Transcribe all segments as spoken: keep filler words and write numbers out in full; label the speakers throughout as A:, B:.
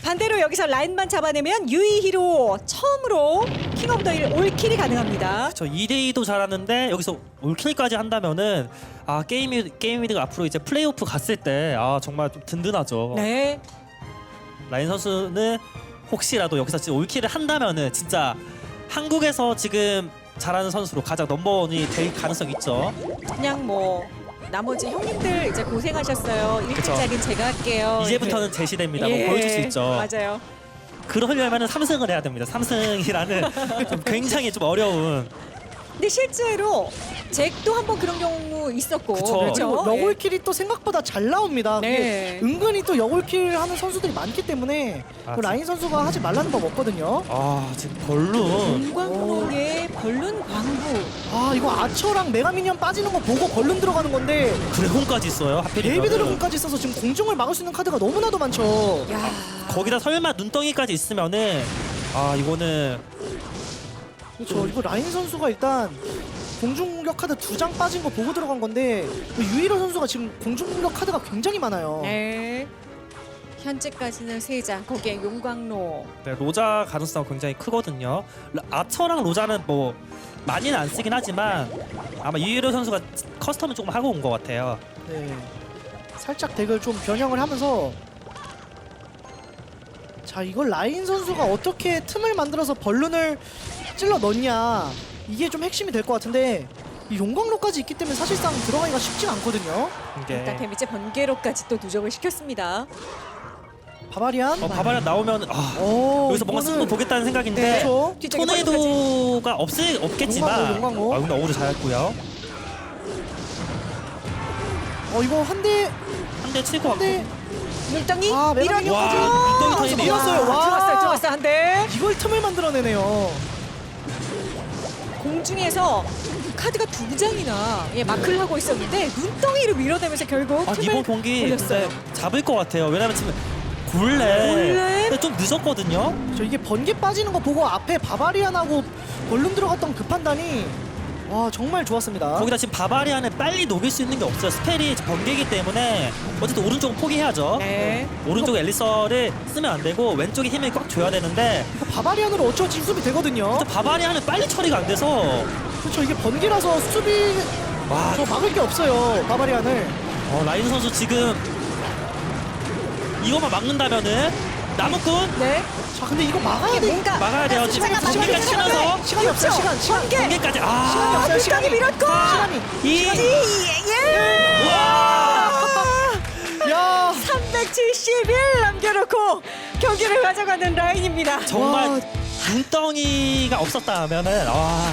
A: 반대로 여기서 라인만 잡아내면 유이히로 처음으로 킹 오브 더힐 올킬이 가능합니다.
B: 저 이 대 이도 잘하는데 여기서 올킬까지 한다면은 아 게임이 게임위드가 앞으로 이제 플레이오프 갔을 때 아 정말 좀 든든하죠.
A: 네.
B: 라인 선수는 혹시라도 여기서 진짜 올킬을 한다면은 진짜 한국에서 지금 잘하는 선수로 가장 넘버원이 될 가능성이 있죠.
A: 그냥 뭐 나머지 형님들 이제 고생하셨어요. 일 등짜리는 제가 할게요.
B: 이제부터는 제 시대입니다.
A: 예.
B: 뭐 보여줄 수 있죠.
A: 맞아요.
B: 그러려면은 삼 승을 해야 됩니다. 삼 승이라는 좀 굉장히 좀 어려운.
A: 근데 실제로 잭도 한번 그런 경우 있었고.
B: 그쵸.
A: 그렇죠.
C: 그리고 여골킬이 또 생각보다 잘 나옵니다.
A: 네.
C: 그게 은근히 또 여골킬 하는 선수들이 많기 때문에
B: 아,
C: 그 라인 선수가 하지 말라는 법 없거든요.
B: 아 지금 벌룬.
A: 공광록의 벌룬 광부.
C: 아 이거 아처랑 메가미니언 빠지는 거 보고 벌룬 들어가는 건데
B: 드래곤까지 있어요. 하필이면.
C: 데이비드 드래곤까지 있어서 지금 공중을 막을 수 있는 카드가 너무나도 많죠.
A: 야.
B: 거기다 설마 눈덩이까지 있으면은 아 이거는
C: 그렇죠. 이거 라인 선수가 일단 공중공격 카드 두 장 빠진 거 보고 들어간 건데 유일호 선수가 지금 공중공격 카드가 굉장히 많아요.
A: 네. 현재까지는 세 장. 거기에 용광로.
B: 네, 로자 가능성 굉장히 크거든요. 라- 아처랑 로자는 뭐 많이는 안 쓰긴 하지만 아마 유일호 선수가 커스텀을 조금 하고 온 것 같아요.
C: 네. 살짝 덱을 좀 변형을 하면서 자 이걸 라인 선수가 어떻게 틈을 만들어서 벌룬을 찔러 넣냐 이게 좀 핵심이 될 것 같은데 이 용광로까지 있기 때문에 사실상 들어가기가 쉽지가 않거든요.
B: 이게
A: 일단 데미지 번개로까지 또 누적을 시켰습니다.
C: 바바리안
B: 어, 바바리안 나오면 아,
C: 오,
B: 여기서 뭔가
C: 이거는-
B: 승부 보겠다는 생각인데
C: 네, 그렇죠.
A: 뒤쪽에 번개까지.
B: 토네이도가 없을 없겠지만
C: 용광로, 용광로.
B: 아 근데 어우를 잘했고요.
C: 어 이거 한대
B: 한 대 치고 왔고
C: 한대
A: 물덩이
C: 아,
A: 밀어내고
C: 메가니언
B: 와,
C: 아,
B: 물덩이 터지네요.
C: 밀었어요. 와.
A: 들어왔어요. 들어왔어요. 한 대.
C: 이걸 틈을 만들어내네요.
A: 공중에서 카드가 두 장이나 예, 마크를 하고 있었는데 눈덩이를 밀어내면서 결국
B: 아,
A: 틈을
B: 이번 경기
A: 올렸어요.
B: 근데 잡을 것 같아요. 왜냐면 지금 굴레
A: 굴레?
B: 근데 좀 늦었거든요.
C: 저 이게 번개 빠지는 거 보고 앞에 바바리안하고 벌룬 들어갔던 그 판단이 와 정말 좋았습니다.
B: 거기다 지금 바바리안을 빨리 녹일 수 있는 게 없어요. 스펠이 번개이기 때문에 어쨌든 오른쪽은 포기해야죠.
A: 네.
B: 오른쪽 엘리서를 쓰면 안 되고 왼쪽에 힘을 꽉 줘야 되는데
C: 이거 바바리안으로 어쩌지 수비 되거든요.
B: 근데 바바리안은 빨리 처리가 안 돼서
C: 그렇죠. 이게 번개라서 수비
B: 와
C: 저 막을 게 없어요. 바바리안을.
B: 어, 라인 선수 지금 이거만 막는다면은 나무꾼
A: 네.
C: 자 근데 이거 막아야
A: 이게
C: 돼.
A: 뭔가
B: 막아야 돼요. 지금
A: 숫자가
B: 번개까지
A: 많이
B: 치면서
A: 들어가네.
C: 시간이 없어요.
A: 그렇죠.
C: 시간 시간.
A: 번개.
B: 번개까지
C: 시간이
B: 아
C: 없어요.
A: 눈덩이
C: 시간이.
A: 밀었고.
C: 시간이.
B: 이
A: 예.
B: 와
C: 야
A: 삼백칠십 일 남겨놓고 경기를 가져가는 라인입니다.
B: 정말
C: 와.
B: 눈덩이가 없었다면은 와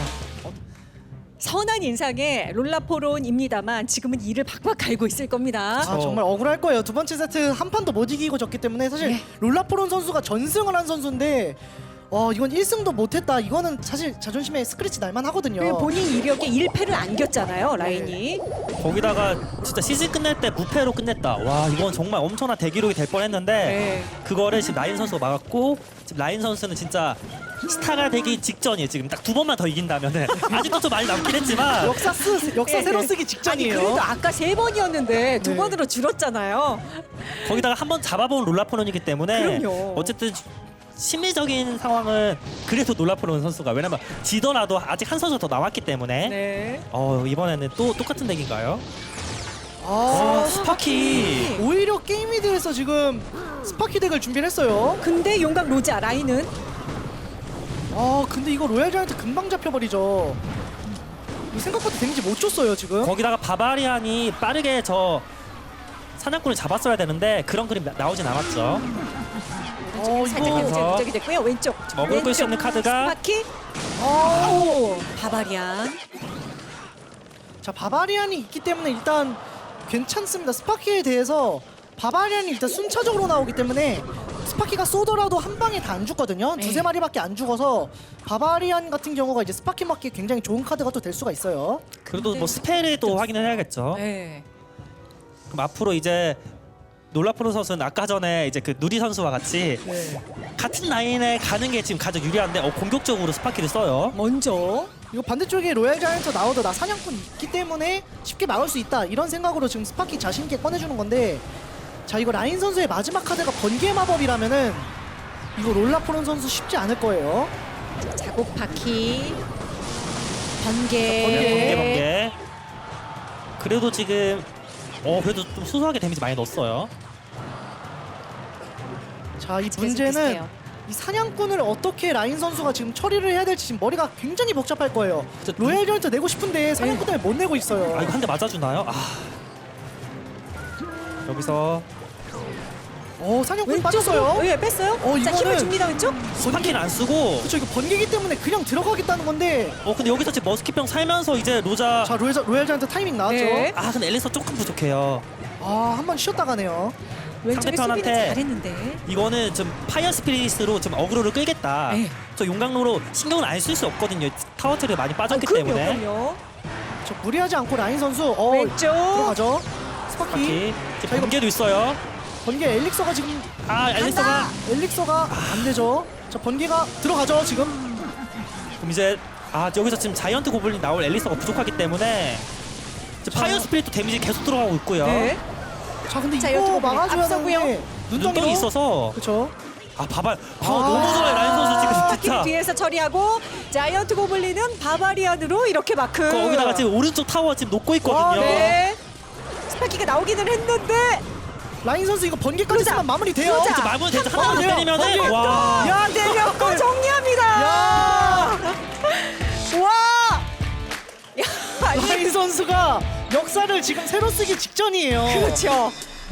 A: 선한 인상의 롤라포론입니다만 지금은 이를 박박 갈고 있을 겁니다.
C: 아, 정말 억울할 거예요. 두 번째 세트 한 판도 못 이기고 졌기 때문에 사실
A: 예.
C: 롤라포론 선수가 전승을 한 선수인데 와 이건 일 승도 못했다. 이거는 사실 자존심에 스크래치 날만 하거든요.
A: 그리고 본인 이력에 일 패를 안겼잖아요, 라인이.
B: 거기다가 진짜 시즌 끝낼 때 무패로 끝냈다. 와 이건 정말 엄청난 대기록이 될 뻔했는데
A: 네.
B: 그거를 지금 라인 선수가 막았고 지금 라인 선수는 진짜 스타가 되기 직전이에요. 지금 딱 두 번만 더 이긴다면은 아직도 좀 많이 남긴 했지만
C: 역사 쓰 역사
A: 네.
C: 새로 쓰기
A: 아니
C: 직전이에요.
A: 그래도 아까 세 번이었는데 두
C: 네.
A: 번으로 줄었잖아요.
B: 거기다가 한 번 잡아본 롤라포론이기 때문에
A: 그럼요.
B: 어쨌든 심리적인 상황은 그래도 롤라포론 선수가 왜냐면 지더라도 아직 한 선수 더 남았기 때문에
A: 네.
B: 어 이번에는 또 똑같은 덱인가요?
C: 아,
B: 어, 스파키
C: 오히려 게임위드에서 지금 스파키 덱을 준비를 했어요.
A: 근데 용광 로자 라인은
C: 아 근데 이거 로얄 자이언트 금방 잡혀버리죠. 이거 생각보다 데미지 못 줬어요 지금.
B: 거기다가 바바리안이 빠르게 저 사냥꾼을 잡았어야 되는데 그런 그림 나- 나오진 않았죠.
C: 어
A: 살짝
C: 이거
A: 데미지 누적이 됐고요. 왼쪽.
B: 먹을
A: 왼쪽.
B: 수 있는 카드가
A: 스파키. 오, 바바리안.
C: 자 바바리안이 있기 때문에 일단 괜찮습니다. 스파키에 대해서 바바리안이 일단 순차적으로 나오기 때문에 스파키가 쏘더라도 한 방에 다 안 죽거든요.
A: 네.
C: 두세 마리밖에 안 죽어서 바바리안 같은 경우가 이제 스파키 맞기 굉장히 좋은 카드가 또 될 수가 있어요.
B: 그래도 뭐 스펠을 또 확인을 해야겠죠.
A: 네.
B: 그럼 앞으로 이제 놀라프로 선수는 아까 전에 이제 그 누리 선수와 같이
C: 네.
B: 같은 라인에 가는 게 지금 가장 유리한데 어, 공격적으로 스파키를 써요.
A: 먼저
C: 이거 반대쪽에 로얄 자이언트 나오도 나 사냥꾼 있기 때문에 쉽게 막을 수 있다 이런 생각으로 지금 스파키 자신 있게 꺼내주는 건데 자 이거 라인 선수의 마지막 카드가 번개 마법이라면은 이거 롤라포론 선수 쉽지 않을 거예요.
A: 자곡 바퀴
C: 번개,
A: 번개.
B: 번개 번개. 그래도 지금 어 그래도 좀 소소하게 데미지 많이 넣었어요.
C: 자, 이
A: 계속
C: 문제는
A: 비슷해요.
C: 이 사냥꾼을 어떻게 라인 선수가 지금 처리를 해야 될지 지금 머리가 굉장히 복잡할 거예요.
B: 진짜
C: 로얄 저한테 내고 싶은데 사냥꾼 때문에 못 내고 있어요.
B: 아 이거 한 대 맞아주나요? 아 여기서
C: 어, 사냥꾼
A: 왼쪽으로
C: 빠졌어요.
A: 예, 뺐어요.
C: 어,
A: 자,
C: 이거는-
A: 힘을 줍니다. 왼쪽.
B: 스파키는 안 쓰고
C: 그렇죠. 이거 번개기 때문에 그냥 들어가겠다는 건데.
B: 어 근데 여기서 지금 머스킷병 살면서 이제 로자
C: 자, 로얄 로얄 저한테 타이밍 나왔죠.
A: 네.
B: 아 근데 앨리스 조금 부족해요.
C: 아, 한 번 쉬었다 가네요.
A: 왼쪽에 수비는
B: 상대편한테
A: 잘했는데.
B: 이거는 좀 파이어 스피릿으로 좀 어그로를 끌겠다.
A: 네.
B: 저 용광로로 신경을 안 쓸 수 없거든요. 타워 트리 많이 빠졌기
A: 아, 그럼요,
B: 때문에.
A: 그럼요.
C: 저 무리하지 않고 라인 선수 어,
A: 왼쪽.
C: 들어가죠. 스파키.
B: 스파키
C: 자,
B: 지금
C: 이거
B: 번개도 있어요.
C: 번개 엘릭서가 지금
B: 아 앨리스가
C: 엘릭서가 안 되죠. 자, 번개가 들어가죠, 지금.
B: 그럼 이제 아 여기서 지금 자이언트 고블린 나올 앨리스가 부족하기 때문에 이제
C: 자.
B: 파이어 스피릿도 데미지 계속 들어가고 있고요.
A: 네.
C: 자, 근데
A: 자,
C: 이거
A: 여쭤보고
C: 막아줘야
A: 앞서고요.
C: 되는데
B: 눈덩이 있어서
C: 그렇죠.
B: 아 바발 아,
C: 아.
B: 너무 좋아요 라인 선수 지금
A: 스파키를
B: 진짜.
A: 뒤에서 처리하고 자이언트 고블린은 바바리안으로 이렇게 마크.
B: 그 거기다가 지금 오른쪽 타워 지금 놓고 있거든요.
C: 와,
A: 네. 스파키가 나오기는 했는데
C: 라인 선수 이거 번개까지
A: 로자.
C: 쓰면 마무리 돼요.
A: 로자.
B: 이제 마무리 되죠.
C: 어,
B: 하나만 더
C: 돼요.
B: 때리면은
C: 번개.
B: 와.
C: 야,
A: 내렸고 정리합니다.
C: 야!
A: 와. 야, 아니,
C: 라인 선수가 역사를 지금 새로 쓰기 직전이에요.
A: 그렇죠.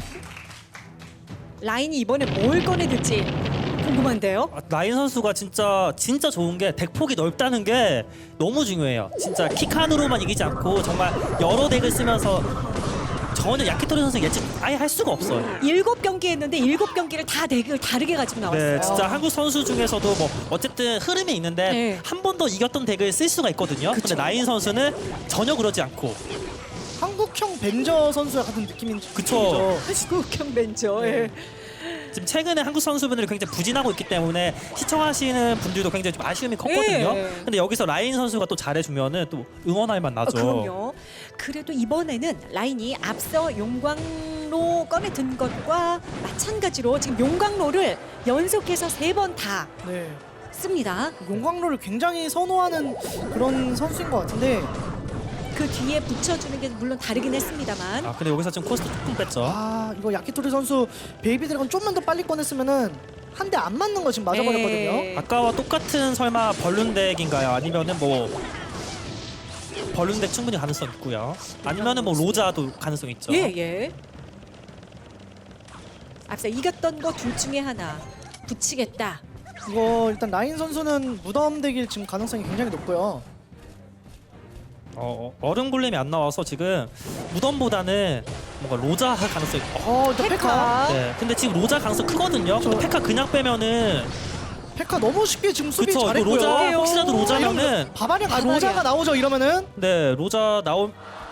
A: 라인이 이번에 뭘 꺼내들지 궁금한데요.
B: 아, 라인 선수가 진짜 진짜 좋은 게 덱폭이 넓다는 게 너무 중요해요. 진짜 킥한으로만 이기지 않고 정말 여러 덱을 쓰면서 전혀 야키토리 선수 예측 아예 할 수가 없어요.
A: 일곱 경기 했는데 일곱 경기를 다 덱을 다르게 가지고 나왔어요.
B: 네, 진짜 한국 선수 중에서도 뭐 어쨌든 흐름이 있는데
A: 네.
B: 한 번 더 이겼던 덱을 쓸 수가 있거든요. 근데 라인 선수는 전혀 그러지 않고
C: 한국형 벤저 선수 같은 느낌인
B: 그쵸.
A: 한국형 벤저. 예.
B: 지금 최근에 한국 선수분들이 굉장히 부진하고 있기 때문에 시청하시는 분들도 굉장히 좀 아쉬움이 컸거든요.
A: 네.
B: 근데 여기서 라인 선수가 또 잘해주면은 또 응원할 만
A: 어,
B: 나죠.
A: 그럼요. 그래도 이번에는 라인이 앞서 용광로 꺼내 든 것과 마찬가지로 지금 용광로를 연속해서 세 번 다
C: 네.
A: 씁니다.
C: 용광로를 굉장히 선호하는 그런 선수인 것 같은데.
A: 그 뒤에 붙여주는 게 물론 다르긴 했습니다만
B: 아 근데 여기서 지금 코스트 조금 뺐죠.
C: 아, 이거 야키토리 선수 베이비 드래곤 좀만 더 빨리 꺼냈으면은 한 대 안 맞는 거 지금 맞아버렸거든요.
A: 네.
B: 아까와 똑같은 설마 벌룬덱인가요? 아니면은 뭐 벌룬덱 충분히 가능성 있고요. 아니면은 뭐 로자도 가능성 있죠.
A: 예, 예. 앞서 이겼던 거 둘 중에 하나 붙이겠다.
C: 이거 일단 라인 선수는 무덤 대길 지금 가능성이 굉장히 높고요.
B: 어, 어, 얼음 골렘이 안 나와서 지금 무덤보다는 뭔가 로자 할 가능성이 어,
C: 어, 일단 페카.
A: 페카.
B: 네. 근데 지금 로자 가능성 크거든요. 근데
C: 저-
B: 페카 그냥 빼면은
C: 페카 너무 쉽게 지금 수비
B: 그쵸. 이거
C: 잘했고요.
B: 로자
A: 그래요.
B: 혹시라도 로자면은
C: 바바리안 아,
A: 바바리안.
C: 로자가 나오죠 이러면은
B: 네 로자 나온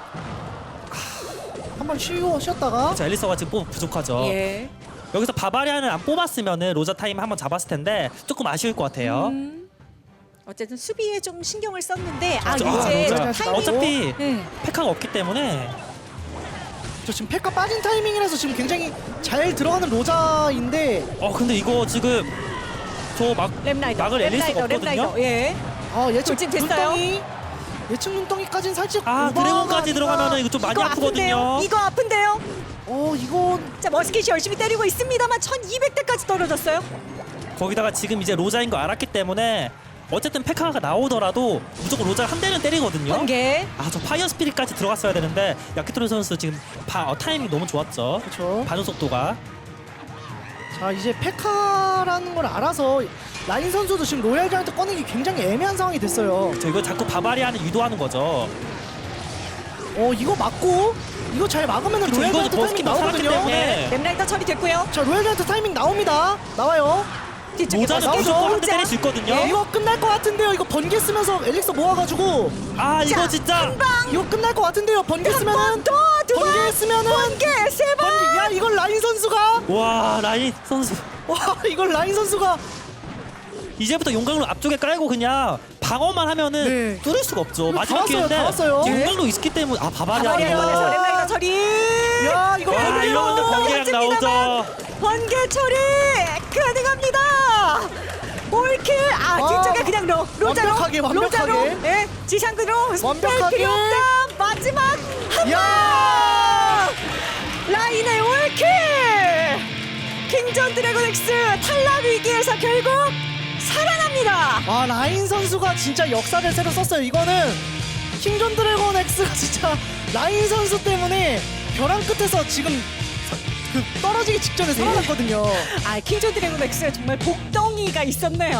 C: 한번 쉬고 쉬었다가
B: 자 앨리서가 지금 뽑 부족하죠.
A: 예.
B: 여기서 바바리안을 안 뽑았으면은 로자 타임 한번 잡았을 텐데 조금 아쉬울 것 같아요.
A: 음. 어쨌든 수비에 좀 신경을 썼는데 아
B: 저-
A: 이제
B: 로자.
C: 로자.
A: 타이밍.
B: 어차피
A: 네.
B: 페카가 없기 때문에
C: 저 지금 페카 빠진 타이밍이라서 지금 굉장히 잘 들어가는 로자인데
B: 어 근데 이거 지금 저 막
A: 랩라이더.
B: 막을 앨리스가
A: 랩라이더,
B: 없거든요.
A: 랩라이더. 예.
C: 아 예측
A: 돌진 됐어요?
C: 눈덩이 예측 눈덩이까지는 살짝
B: 아
C: 오버가
B: 드래곤까지
C: 아닌가.
B: 들어가면은 이거 좀 많이
A: 이거
B: 아프거든요.
A: 아픈데요. 이거 아픈데요.
C: 어 이건
A: 자 머스킷이 열심히 때리고 있습니다만 천이백 대까지 떨어졌어요.
B: 거기다가 지금 이제 로자인 거 알았기 때문에 어쨌든 페카가 나오더라도 무조건 로자를 한 대는 때리거든요.
A: 번개.
B: 아 저 파이어 스피릿까지 들어갔어야 되는데 야키토리 선수 지금 바, 어, 타이밍 너무 좋았죠.
C: 그렇죠.
B: 반응 속도가.
C: 자 이제 페카라는 걸 알아서 라인 선수도 지금 로얄 자이언트 꺼내기 굉장히 애매한 상황이 됐어요.
B: 저 이거 자꾸 바바리안을 유도하는 거죠.
C: 어 이거 맞고 이거 잘 막으면
B: 그쵸,
C: 로얄
B: 이거
C: 자이언트 타이밍
B: 머스킷도 살았기
C: 나오거든요.
B: 때문에
A: 랩라이더 처리됐고요.
C: 자 로얄 자이언트 타이밍 나옵니다. 나와요.
A: 뒤쪽에
B: 로자는
C: 나오죠.
B: 무조건 한 대
A: 로자.
B: 때릴 수 있거든요.
C: 어, 이거 끝날 것 같은데요. 이거 번개 쓰면서 엘릭서 모아가지고
B: 아 이거
A: 자,
B: 진짜
A: 한 방.
C: 이거 끝날 것 같은데요. 번개 쓰면은
A: 더, 두 번.
C: 번개 쓰면은
A: 번개 세 번.
C: 번개 야 이걸 라인 선수가
B: 와 라인 선수
C: 와 이걸 라인 선수가
B: 이제부터 용광로 앞쪽에 깔고 그냥 방어만 하면은
C: 네.
B: 뚫을 수가 없죠.
C: 이거
B: 마지막
C: 다 왔어요,
B: 기회인데
C: 다 왔어요.
B: 지금
A: 네.
B: 용광로 있기 때문에 아
A: 번개
B: 바바리안이
A: 원에서
C: 야.
A: 랩라이더 처리.
C: 야 이거
B: 와
C: 번개로
B: 이러면 번개랑 나오죠.
A: 번개 처리 가능합니다. 용광로 로자로
C: 완벽하게, 완벽하게.
A: 로자로 예 지상으로
C: 완벽하게.
A: 필요 없다 마지막 한방
C: 야!
A: 라인의 올킬 킹전 드래곤 X 탈락 위기에서 결국 살아납니다.
C: 아 라인 선수가 진짜 역사를 새로 썼어요. 이거는 킹존 드래곤 X가 진짜 라인 선수 때문에 벼랑 끝에서 지금 사- 그 떨어지기 직전에 살아났거든요.
A: 아 킹전 드래곤 X에 정말 복덩이가 있었네요.